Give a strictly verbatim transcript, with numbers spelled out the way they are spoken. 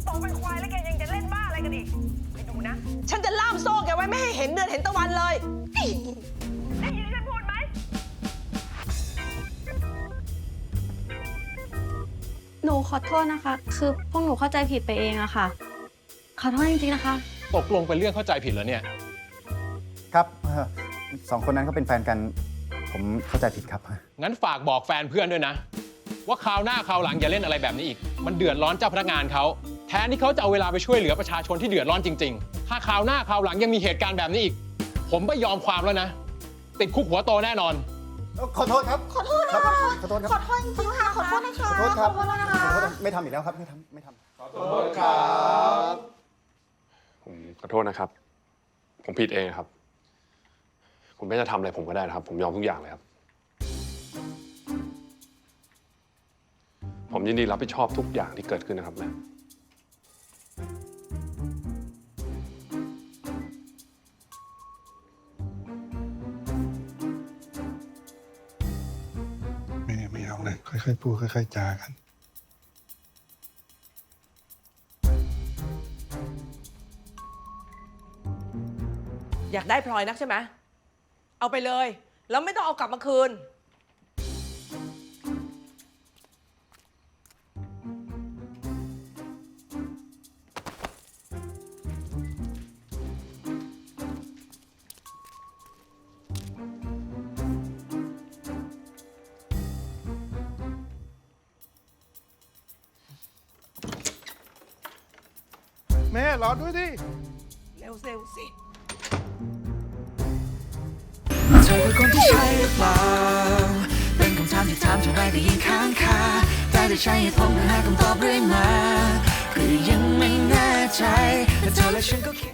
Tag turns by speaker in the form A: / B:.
A: โตเป็นควายแล้วแกยังจะเล่นบ้าอะไรกันอีกไปดูนะ
B: ฉันจะล่ามโซ่แกไว้ไม่ให้เห็นเดือนเห็นตะวันเลย
A: ได้ยินฉันพูดไหม
C: หนูขอโทษนะคะ คือพวกหนูเข้าใจผิดไปเองอะค่ะ ขอโทษจริงๆนะคะ
D: ตกลงเป็นเรื่องเข้าใจผิดแล้วเนี่ย
E: ครับเอ่อสองคนนั้นเขาเป็นแฟนกัน ผมเข้าใจผิดครับ
D: งั้นฝากบอกแฟนเพื่อนด้วยนะ ว่าคราวหน้าคราวหลังอย่าเล่นอะไรแบบนี้อีก มันเดือดร้อนเจ้าพนักงานเขาแทนที่เขาจะเอาเวลาไปช่วยเหลือประชาชนที่เดือดร้อนจริงๆ ถ้าคราวหน้าคราวหลังยังมีเหตุการณ์แบบนี้อีก ผมไม่ยอมความแล้วนะ ติดคุกหัวโตแน่นอน
E: ขอโทษครับ ขอโทษครับขอโทษครับ
F: ขอโทษจริงๆค่ะ ขอโทษนะคะ
E: ขอโทษครับ
F: ขอโทษนะคะ
E: ขอโทษไม่ทำอีกแล้วครับ ไม่ทำไม่ทำ
G: ขอโทษครับ ผมขอโทษนะครับ ผมผิดเองครับ คุณไม่จะทำอะไรผมก็ได้นะครับ ผมยอมทุกอย่างเลยครับ ผมยินดีรับผิดชอบทุกอย่างที่เกิดขึ้นนะครับแม่
H: แม่ไม่เอาเลยค่อยๆพูดค่อยๆจากัน
B: อยากได้พลอยนักใช่ไหม เอาไปเลย แล้วไม่ต้องเอากลับมาคืน
H: แม่รอด้วยดิ
B: เร็วเร็วสิ
I: เธอคือคนที่ใช่หรือเปล่าเป็นคำถามที่ถามเท่าไรก็ยิ่งค้างคาแต่ได้ใช้เหตุผลเพื่อหาคำตอบเรื่อยมาก็ยังไม่แน่ใจแต่เธอและฉันก็คิด